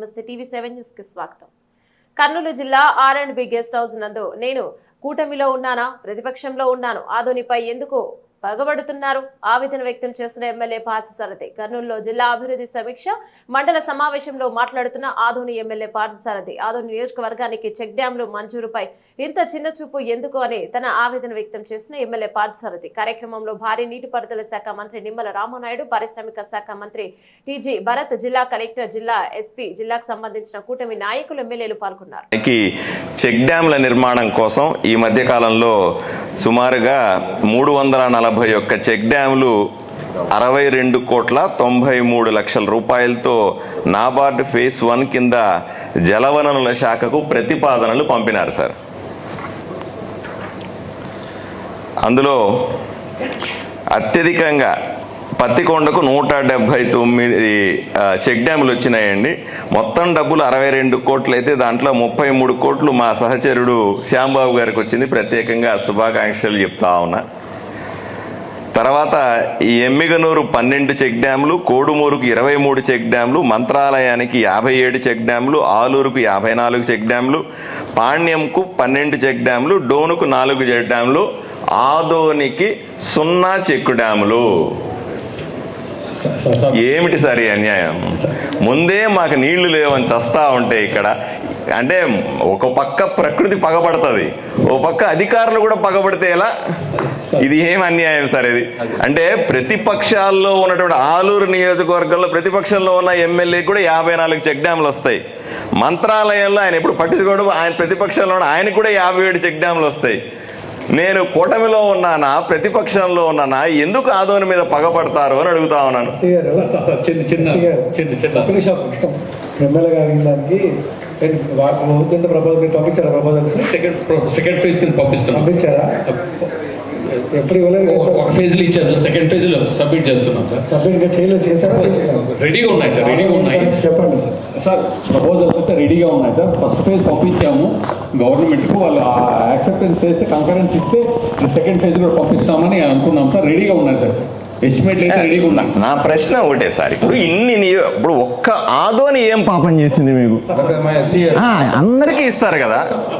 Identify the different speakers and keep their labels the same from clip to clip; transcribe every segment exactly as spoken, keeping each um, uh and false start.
Speaker 1: నమస్తే TV seven news కి స్వాగతం. కర్నూలు జిల్లా R and B guest house నందు నేను కూటమిలో ఉన్నానా, ప్రతిపక్షంలో ఉన్నాను, ఆదోనిపై ఎందుకు పగబడుతున్నారు ఆవేదన వ్యక్తం చేసిన ఎమ్మెల్యే పార్థసారథి. కర్నూలులో జిల్లా అభివృద్ధి సమీక్ష మండల సమావేశంలో మాట్లాడుతున్న ఆదోని ఎమ్మెల్యే పార్థసారథి ఆదోని నియోజకవర్గానికి చెక్ డ్యాంలు మంజూరుపై ఇంత చిన్న చూపు ఎందుకు అని తన ఆవేదన వ్యక్తం చేసిన ఎమ్మెల్యే పార్థసారథి. కార్యక్రమంలో భారీ నీటిపారుదల శాఖ మంత్రి నిమ్మల రామనాయుడు, పారిశ్రామిక శాఖ మంత్రి టీజీ భరత్, జిల్లా కలెక్టర్, జిల్లా ఎస్పీ, జిల్లాకు సంబంధించిన కూటమి నాయకులు, ఎమ్మెల్యేలు పాల్గొన్నారు.
Speaker 2: చెక్ డ్యాంల నిర్మాణం కోసం ఈ మధ్య కాలంలో సుమారుగా మూడు వందల నలభై ఒక్క చెక్ డ్యాంలు అరవై రెండు కోట్ల తొంభై మూడు లక్షల రూపాయలతో నాబార్డు ఫేజ్ వన్ కింద జలవనరుల శాఖకు ప్రతిపాదనలు పంపినారు సార్. అందులో అత్యధికంగా పత్తికొండకు నూట డెబ్బై తొమ్మిది చెక్ డ్యాములు వచ్చినాయండి. మొత్తం డబ్బులు అరవై రెండు కోట్లు అయితే దాంట్లో ముప్పై మూడు కోట్లు మా సహచరుడు శ్యాంబాబు గారికి వచ్చింది. ప్రత్యేకంగా శుభాకాంక్షలు చెప్తా ఉన్నా. తర్వాత ఈ ఎమ్మిగనూరు పన్నెండు చెక్ డ్యాములు, కోడుమూరుకు ఇరవై మూడు చెక్ డ్యాములు, మంత్రాలయానికి యాభై ఏడు చెక్ డ్యాములు, ఆలూరుకు యాభై నాలుగు చెక్ డ్యాములు, పాణ్యంకు పన్నెండు చెక్ డ్యాములు, డోనుకు నాలుగు చెక్ డ్యాములు, ఆదోనికి సున్నా చెక్ డ్యాములు. ఏమిటి సార్ ఈ అన్యాయం? ముందే మాకు నీళ్లు లేవని చస్తా ఉంటే ఇక్కడ అంటే ఒక పక్క ప్రకృతి పగబడుతుంది, ఓ పక్క అధికారులు కూడా పగబడితే ఎలా? ఇది ఏం అన్యాయం సార్ ఇది? అంటే ప్రతిపక్షాల్లో ఉన్నటువంటి ఆలూరు నియోజకవర్గంలో ప్రతిపక్షంలో ఉన్న ఎమ్మెల్యే కూడా యాభై నాలుగు చెక్ డ్యాములు వస్తాయి. మంత్రాలయంలో ఆయన ఎప్పుడు పట్టించుకోవడం, ఆయన ప్రతిపక్షంలో ఉన్న ఆయనకు కూడా యాభై ఏడు చెక్ డ్యాములు వస్తాయి. నేను కూటమిలో ఉన్నానా, ప్రతిపక్షంలో ఉన్నానా, ఎందుకు ఆదోని మీద పగపడతారు అని అడుగుతా ఉన్నాను.
Speaker 3: ఎమ్మెల్యే గారి దానికి ప్రపోజల్ పంపించారా? ప్రపోజల్స్
Speaker 4: సెకండ్ సెకండ్ ఫేజ్ కింద పంపిస్తాం.
Speaker 3: పంపించారా? ఎప్పుడు ఇవ్వలేదు.
Speaker 4: ఒక ఫేజ్ లో ఇచ్చారు, సెకండ్ ఫేజ్ లో సబ్మిట్ చేస్తున్నాం సార్.
Speaker 3: సబ్మిట్ ఇంకా చేయలేదు, చేశారా?
Speaker 4: రెడీగా ఉన్నాయి సార్, రెడీగా ఉన్నాయి.
Speaker 3: చెప్పండి
Speaker 4: సార్. ప్రపోజల్స్ అయితే రెడీగా ఉన్నాయి సార్. ఫస్ట్ ఫేజ్ పంపించాము గవర్నమెంట్కు, వాళ్ళు యాక్సెప్టెన్స్ చేస్తే కంకరెన్స్ ఇస్తే సెకండ్ ఫేజ్ లో పంపిస్తామని అనుకున్నాం సార్. రెడీగా ఉన్నాయి సార్, ఎస్టిమేట్ అయితే రెడీగా ఉన్నాయి.
Speaker 2: నా ప్రశ్న ఒకటే సార్, ఇప్పుడు ఇన్ని ఇప్పుడు ఒక్క ఆదోని ఏం పాపం చేసింది మీకు? అందరికీ ఇస్తారు కదా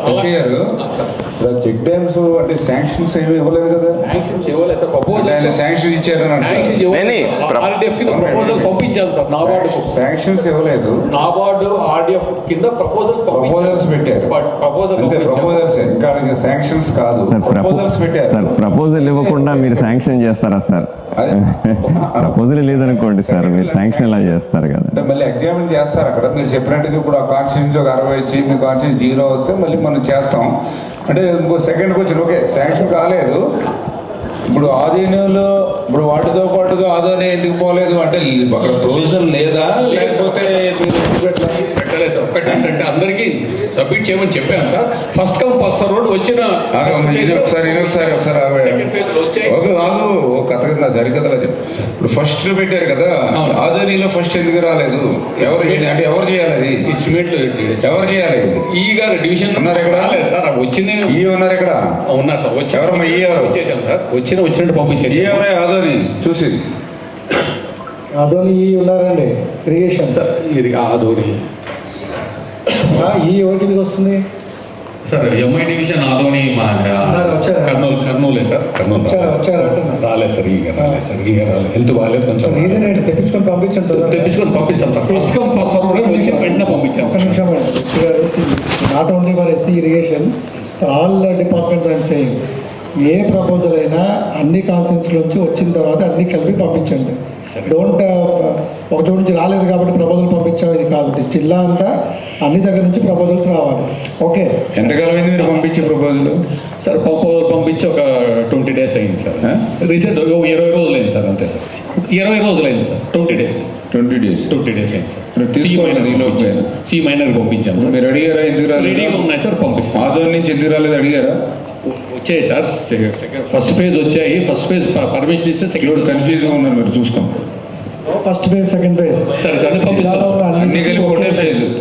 Speaker 5: చెక్ డ్యామ్స్ అంటే శాంక్షన్స్ ఏమి ఇవ్వలేదు కదా.
Speaker 4: శాంక్షన్స్ ఇవ్వలేదు సార్. ప్రపోజల్
Speaker 5: శాంక్షన్ ఇచ్చారు,
Speaker 4: ప్రపోజల్ పంపించాను సార్. నాబార్డు
Speaker 5: శాంక్షన్స్ ఇవ్వలేదు,
Speaker 4: నాబార్డు ఆర్డిఎఫ్ కింద ప్రపోజల్
Speaker 5: ప్రపోజల్స్ పెట్టారు.
Speaker 4: ప్రపోజల్
Speaker 5: ప్రపోజల్స్ ఇంకా శాంక్షన్స్ కాదు, ప్రపోజల్స్ పెట్టారు.
Speaker 6: ప్రపోజల్ ఇవ్వకుండా మీరు శాంక్షన్ చేస్తారా సార్? ప్రపోజల్ లేదనుకోండి సార్, మీరు శాంక్షన్ ఎలా చేస్తారు కదా.
Speaker 5: అంటే మళ్ళీ ఎగ్జామిన్ చేస్తారు అక్కడ. మీరు చెప్పినట్టుగా ఇప్పుడు ఆ కాన్స్టిట్యూన్సీ ఒక అరవై వచ్చి మీ కాన్స్టిట్యూన్సీ జీరో వస్తే మళ్ళీ మనం చేస్తాం. అంటే ఇంకో సెకండ్కి వచ్చి ఓకే శాంక్షన్ కాలేదు. ఇప్పుడు ఆధీనంలో ఇప్పుడు వాటితో పాటుగా ఆదోని ఎందుకు పోలేదు అంటే అక్కడ ప్రొవిజన్ లేదా, లేకపోతే
Speaker 4: పెట్టలేదు సార్. ఒకటి ఏంటంటే అందరికీ సబ్మిట్ చేయమని చెప్పాను sir. First come first road వచ్చిన
Speaker 5: ఒకసారి ఒకసారి ఒకసారి ఒక నాలుగు కథ కింద సరికథలా చెప్పు. ఇప్పుడు ఫస్ట్ పెట్టారు కదా, ఆదోనిలో ఫస్ట్ ఎందుకు రాలేదు? ఎవరు అంటే ఎవరు చేయాలి? అది
Speaker 4: ఎస్టిమేట్ లో
Speaker 5: ఎవరు చేయాలి?
Speaker 4: ఈ గారు డివిజన్
Speaker 5: ఉన్నారు ఎక్కడ
Speaker 4: సార్? వచ్చిన
Speaker 5: ఈ ఉన్నారు ఎక్కడ?
Speaker 4: ఉన్నారు సార్. వచ్చి
Speaker 5: ఎవరమ్మా ఈ
Speaker 4: వచ్చేసాం సార్. వచ్చిన వచ్చినట్టు పంపించేసి
Speaker 5: ఎవరే ఆదోని చూసి
Speaker 3: ఆదోని ఈ ఉన్నారండి క్రియేషన్
Speaker 4: సార్. ఇది ఆదోని
Speaker 3: ఈ ఎవరికి వస్తుంది
Speaker 4: సార్? ఎంఐ డివిజన్ ఆదోని మా కర్నూలు కర్నూలే సార్. కర్నూలు రాలేదు సార్. ఈగ రాలేదు సార్. ఈగ రాలేదు, హెల్త్ బాగాలేదు కొంచెం.
Speaker 3: రీజన్ ఏంటి? తెప్పించుకొని పంపించండి.
Speaker 4: తెప్పించుకొని పంపిస్తాం sir. First come first server వచ్చి వెంటనే పంపించాం.
Speaker 3: ఒక నిమిషం. Not only for SC irrigation, all departments and saying a proposal అయినా అన్ని కాన్సెన్స్లో నుంచి వచ్చిన తర్వాత అన్ని కలిపి పంపించండి. డోంట్ ఒక చోటు నుంచి రాలేదు కాబట్టి ప్రపోజల్ పంపించాం ఇది కాదు. జిల్లా అంతా అన్ని దగ్గర నుంచి ప్రపోజల్స్ రావాలి. ఓకే,
Speaker 5: ఎంతకాలం అయింది మీరు పంపించే ప్రపోజల్?
Speaker 4: సార్ ప్రపోజల్ పంపించి ఒక ట్వంటీ డేస్ అయింది సార్. రీసెంట్ ఇరవై రోజులు అయింది సార్. అంతే సార్, ఇరవై రోజులు అయింది sir. Twenty days twenty days twenty days అయింది సార్. సి మైనర్ పంపించాము.
Speaker 5: మీరు అడిగారా? ఎందుకు రాలేదు?
Speaker 4: రెడీగా ఉన్నాయి సార్, పంపిస్తాం.
Speaker 5: ఆదోని నుంచి ఎందుకు రాలేదు అడిగారా?
Speaker 4: వచ్చాయి సార్. ఫస్ట్ ఫేజ్ వచ్చాయి. ఫస్ట్ ఫేజ్ పర్మిషన్ ఇస్తే సెకండ్
Speaker 5: కన్ఫ్యూజ్గా ఉన్నారు మీరు చూసుకోండి.
Speaker 3: ఫస్ట్ ఫేజ్ సెకండ్ ఫేజ్
Speaker 4: సరే సార్ పంపిస్తాం.
Speaker 5: అన్ని కలిపి ఒకటే ఫేజ్.